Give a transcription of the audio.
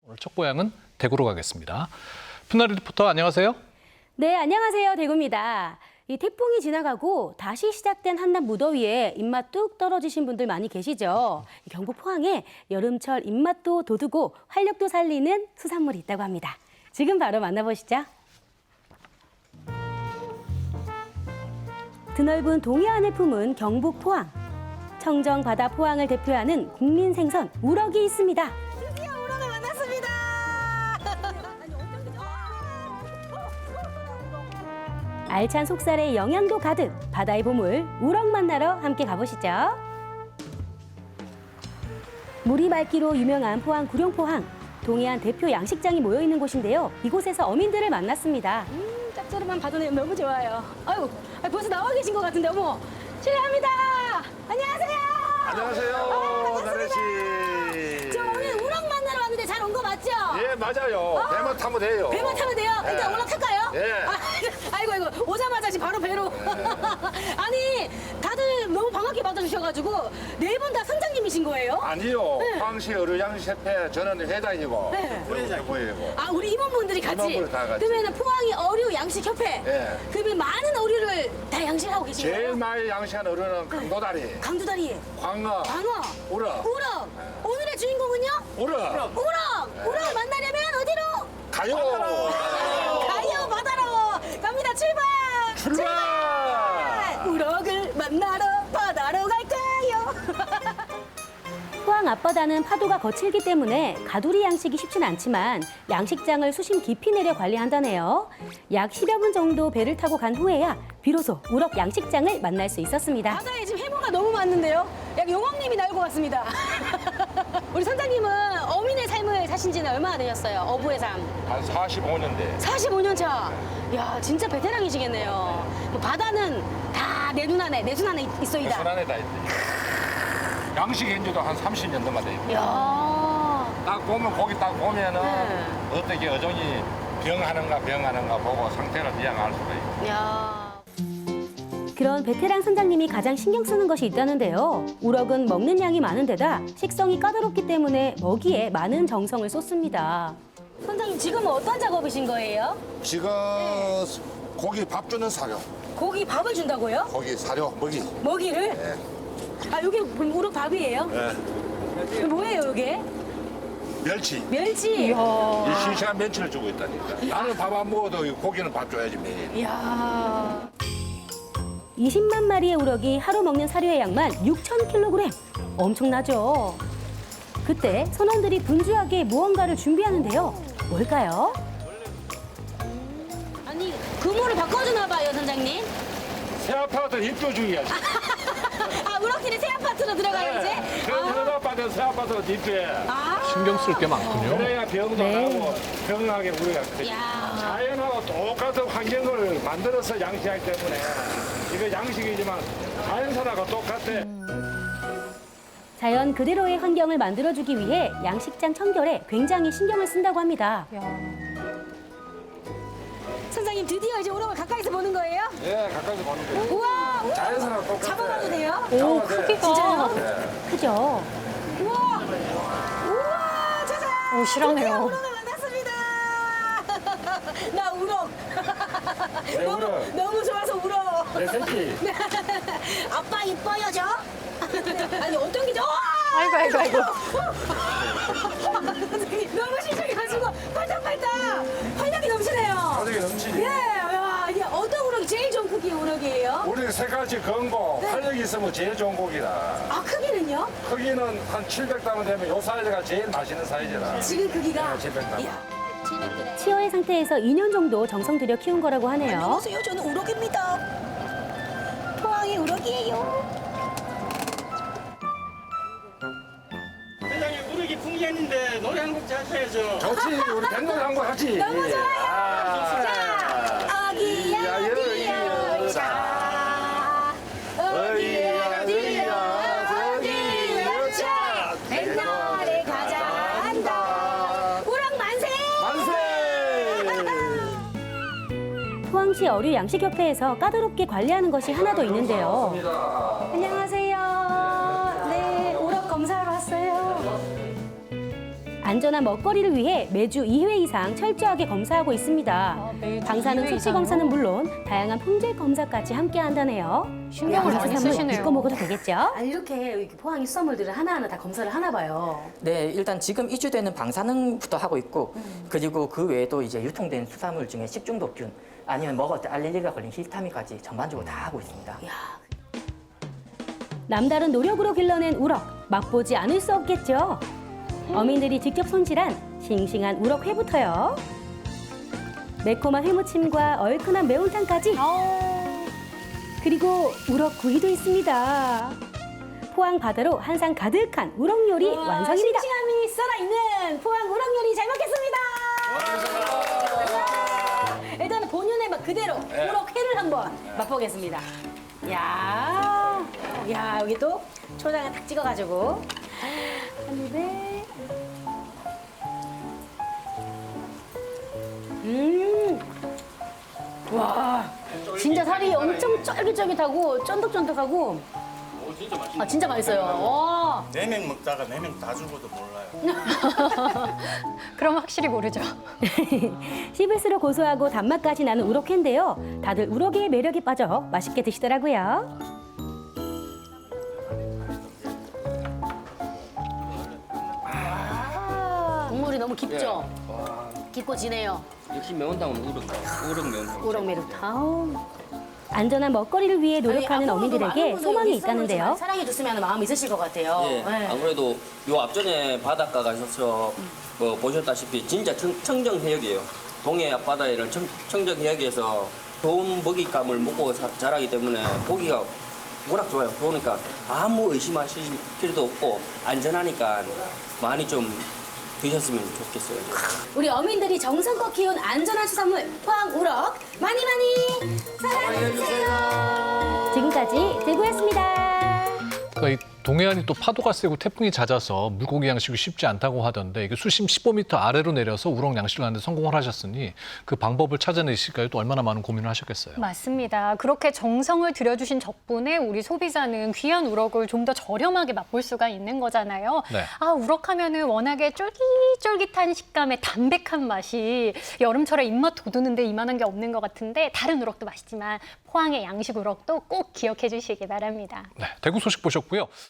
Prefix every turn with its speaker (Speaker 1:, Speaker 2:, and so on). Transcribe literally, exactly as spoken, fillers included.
Speaker 1: 오늘 첫 고향은 대구로 가겠습니다. 푸나리 리포터 안녕하세요.
Speaker 2: 네, 안녕하세요. 대구입니다. 이 태풍이 지나가고 다시 시작된 한낮 무더위에 입맛 뚝 떨어지신 분들 많이 계시죠. 경북 포항에 여름철 입맛도 돋우고 활력도 살리는 수산물이 있다고 합니다. 지금 바로 만나보시죠. 드넓은 동해안을 품은 경북 포항. 청정 바다 포항을 대표하는 국민 생선 우럭이 있습니다.
Speaker 3: 드디어 우럭을 만났습니다.
Speaker 2: 알찬 속살에 영양도 가득 바다의 보물 우럭 만나러 함께 가보시죠. 물이 맑기로 유명한 포항 구룡포항. 동해안 대표 양식장이 모여있는 곳인데요. 이곳에서 어민들을 만났습니다. 음, 짭조름한 바다는 너무 좋아요. 아유, 벌써 나와 계신 것 같은데, 어머. 실례합니다. 안녕하세요.
Speaker 4: 안녕하세요,
Speaker 2: 아,
Speaker 4: 나래 씨.
Speaker 2: 저 오늘 우럭 만나러 왔는데 잘 온 거 맞죠?
Speaker 4: 예, 맞아요.
Speaker 2: 아,
Speaker 4: 배만 타면 돼요.
Speaker 2: 배만 타면 돼요?
Speaker 4: 예.
Speaker 2: 일단 올라탈까요?
Speaker 4: 예.
Speaker 2: 아, 아이고, 아이고. 오자마자 지금 바로 배로. 아니, 다들 너무 반갑게 받아주셔가지고 네 분 다 선장님이신 거예요?
Speaker 4: 아니요,
Speaker 2: 네.
Speaker 4: 황시 어류양식협회 저는 회장이고,
Speaker 2: 네.
Speaker 4: 부회장이고.
Speaker 2: 아, 우리 임원분들이 같이?
Speaker 4: 임원분들 다 같이.
Speaker 2: 그러면 포항이 어류 양식협회?
Speaker 4: 예.
Speaker 2: 그러면 많은 어류를 다 양식하고 계신
Speaker 4: 제일
Speaker 2: 거예요?
Speaker 4: 많이 양식하는 어류는 강도다리,
Speaker 2: 강두다리,
Speaker 4: 광어,
Speaker 2: 광어,
Speaker 4: 우럭.
Speaker 2: 우럭. 오늘의 주인공은요?
Speaker 4: 우럭.
Speaker 2: 우럭! 우럭을 만나려면 어디로?
Speaker 4: 가요.
Speaker 2: 가요 바다로 갑니다. 출발!
Speaker 4: 출발!
Speaker 2: 우럭을 만나러 바다로 갈까요? 포항 앞바다는 파도가 거칠기 때문에 가두리 양식이 쉽진 않지만 양식장을 수심 깊이 내려 관리한다네요. 약 십여 분 정도 배를 타고 간 후에야 비로소 우럭 양식장을 만날 수 있었습니다. 바다에 지금 해무가 너무 많는데요. 약 용왕님이 나올 것 같습니다. 우리 선장님은 어민의 삶을 사신 지는 얼마나 되셨어요? 어부의 삶.
Speaker 4: 한 사십오 년 돼.
Speaker 2: 사십오 년 차. 야, 진짜 베테랑이시겠네요. 뭐 바다는 다 내 눈 안에, 내 손 안에 있어이다.
Speaker 4: 손 안에 다 있대. 양식 현지도 한 삼십 년 넘어 돼.
Speaker 2: 야.
Speaker 4: 딱 보면 고기 딱 보면은
Speaker 2: 네.
Speaker 4: 어떻게 어종이 병하는가 병하는가 보고 상태를 미양할 수가 있고.
Speaker 2: 야. 그런 베테랑 선장님이 가장 신경 쓰는 것이 있다는데요. 우럭은 먹는 양이 많은 데다 식성이 까다롭기 때문에 먹이에 많은 정성을 쏟습니다. 선장님, 지금은 어떤 작업이신 거예요?
Speaker 4: 지금 고기 밥 주는 사료,
Speaker 2: 고기 밥을 준다고요?
Speaker 4: 고기 사료 먹이.
Speaker 2: 먹이를?
Speaker 4: 예.
Speaker 2: 아, 이게 우럭 밥이에요?
Speaker 4: 예.
Speaker 2: 이게 뭐예요, 이게?
Speaker 4: 멸치.
Speaker 2: 멸치.
Speaker 4: 이 싱싱한 멸치를 주고 있다니까. 나는 밥 안 먹어도 이 고기는 밥 줘야지 매일.
Speaker 2: 이야. 이십만 마리의 우럭이 하루 먹는 사료의 양만 육천 킬로그램. 엄청나죠? 그때 선원들이 분주하게 무언가를 준비하는데요. 뭘까요? 아니, 근무를 바꿔주나 봐요, 선장님.
Speaker 4: 새 아파트 입주 중이야.
Speaker 2: 아, 우럭들이 새 아파트로 들어가요, 이제?
Speaker 4: 그래서 새 아파트 새 아파트로 입주해.
Speaker 2: 아.
Speaker 1: 신경 쓸 게 많군요.
Speaker 4: 그래야 병도
Speaker 2: 네.
Speaker 4: 나고 건강하게 우리가 그래.
Speaker 2: 야.
Speaker 4: 자연하고 똑같은 환경을 만들어서 양식하기 때문에 이거 양식이지만 자연산하고 똑같아.
Speaker 2: 자연 그대로의 환경을 만들어주기 위해 양식장 청결에 굉장히 신경을 쓴다고 합니다. 선장님, 드디어 이제 우럭을 가까이서 보는 거예요?
Speaker 4: 예, 가까이서 보는 거예요.
Speaker 2: 우와! 우와.
Speaker 4: 자연산하고 똑같아.
Speaker 2: 잡아봐도 돼요?
Speaker 4: 오, 크기가.
Speaker 2: 진짜요?
Speaker 4: 네.
Speaker 2: 크죠? 우와! 우와! 짜잔!
Speaker 3: 오, 실하네요.
Speaker 2: 우럭을 만났습니다! 나 우럭!
Speaker 4: 네,
Speaker 2: 너무,
Speaker 4: 우럭.
Speaker 2: 너무 좋아서 우럭!
Speaker 4: 내 새끼.
Speaker 2: 아빠 이뻐요, 저? 아니, 어떤 게죠?
Speaker 3: 아이고, 아이고, 아이고.
Speaker 2: 너무 신기해가지고 팔딱팔딱 활력이 넘치네요.
Speaker 4: 가족이 넘치지.
Speaker 2: 예, 야, 이게 어떤 우럭이 제일 좋은 크기의 우럭이에요?
Speaker 4: 우리 색깔이 건고 활력이 있으면 제일 좋은 고기라.
Speaker 2: 아, 크기는요?
Speaker 4: 크기는 한 칠백 담은 되면 요 사이즈가 제일 맛있는 사이즈라.
Speaker 2: 지금 크기가?
Speaker 4: 네, 칠백 담.
Speaker 2: 이야. 치어의 상태에서 이 년 정도 정성 들여 키운 거라고 하네요.
Speaker 3: 안녕하세요. 저는 우럭입니다. 포항이 우럭이에요.
Speaker 5: 회장님 우럭이 풍기했는데 노래 한 곡 하셔야죠.
Speaker 4: 좋지, 우리 백놀이 한거 하지.
Speaker 2: 너무 좋아요.
Speaker 4: 아,
Speaker 2: 자, 어기야,
Speaker 4: 야,
Speaker 2: 어디야,
Speaker 4: 여기야.
Speaker 2: 자. 어디야, 어디야, 어디야, 자. 백날에 가자 한다. 우럭 만세!
Speaker 4: 만세!
Speaker 2: 포항시 어류 양식협회에서 까다롭게 관리하는 것이 하나 더 있는데요. 안녕하세요. 네, 우럭 검사하러 왔어요. 안전한 먹거리를 위해 매주 이 회 이상 철저하게 검사하고 있습니다.
Speaker 3: 매주
Speaker 2: 방사능
Speaker 3: 이 회
Speaker 2: 수치
Speaker 3: 이상요?
Speaker 2: 검사는 물론 다양한 품질 검사까지 함께 한다네요.
Speaker 3: 신경을 많이
Speaker 2: 수산물
Speaker 3: 쓰시네요.
Speaker 2: 믿고 먹어도 되겠죠? 아니 이렇게 포항이 수산물들을 하나하나 다 검사를 하나 봐요.
Speaker 6: 네, 일단 지금 이주되는 방사능부터 하고 있고,
Speaker 2: 음.
Speaker 6: 그리고 그 외에도 이제 유통된 수산물 중에 식중독균, 아니면 먹을 때 알레르기가 걸린 히스타민까지 전반적으로 다 하고 있습니다.
Speaker 2: 남다른 노력으로 길러낸 우럭, 맛보지 않을 수 없겠죠? 어민들이 직접 손질한 싱싱한 우럭회부터요. 매콤한 회무침과 얼큰한 매운탕까지. 그리고 우럭구이도 있습니다. 포항 바다로 한 상 가득한 우럭 요리 완성입니다. 싱싱함이 살아있는 포항 우럭 요리 잘 먹겠습니다. 일단 본연의 맛 그대로 우럭회를 한번 맛보겠습니다. 야, 야 여기 또 초장을 탁 찍어가지고 한 입에. 음, 와, 진짜 살이 엄청 쫄깃쫄깃하고 쫀득쫀득하고.
Speaker 5: 오, 진짜 맛있네.
Speaker 2: 아 진짜 맛있어요. 와.
Speaker 7: 네 명 먹다가 네 명 다 죽어도 몰라요.
Speaker 3: 그럼 확실히 모르죠.
Speaker 2: 씹을수록 고소하고 단맛까지 나는 우럭회인데요. 다들 우럭의 매력에 빠져 맛있게 드시더라고요. 국물이 너무 깊죠? 깊고 진해요.
Speaker 8: 역시 매운탕은 우럭, 우럭 매운탕.
Speaker 2: 우럭 매운탕. 안전한 먹거리를 위해 노력하는 어민들에게 소망이 있다는데요. 사랑해 줬으면 마음이 있으실 것 같아요.
Speaker 8: 예, 아무래도 요 앞전에 바닷가 가셔서 뭐 보셨다시피 진짜 청, 청정해역이에요. 동해 앞바다에는 청, 청정해역에서 좋은 먹잇감을 먹고 사- 자라기 때문에 고기가 워낙 좋아요. 그러니까 아무 의심하실 필요도 없고 안전하니까 많이 좀 드셨으면 좋겠어요.
Speaker 2: 우리 어민들이 정성껏 키운 안전한 수산물 포항 우럭 많이 많이 사랑해주세요. 지금까지 대구였습니다.
Speaker 1: 그러니까 이 동해안이 또 파도가 세고 태풍이 잦아서 물고기 양식이 쉽지 않다고 하던데 이게 수심 십오 미터 아래로 내려서 우럭 양식을 하는데 성공을 하셨으니 그 방법을 찾아내실까요? 또 얼마나 많은 고민을 하셨겠어요.
Speaker 9: 맞습니다. 그렇게 정성을 들여주신 덕분에 우리 소비자는 귀한 우럭을 좀 더 저렴하게 맛볼 수가 있는 거잖아요.
Speaker 1: 네.
Speaker 9: 아, 우럭 하면은 워낙에 쫄깃쫄깃한 식감의 담백한 맛이 여름철에 입맛 돋우는데 이만한 게 없는 것 같은데 다른 우럭도 맛있지만 포항의 양식 우럭도 꼭 기억해 주시기 바랍니다.
Speaker 1: 네, 대구 소식 보셨고요.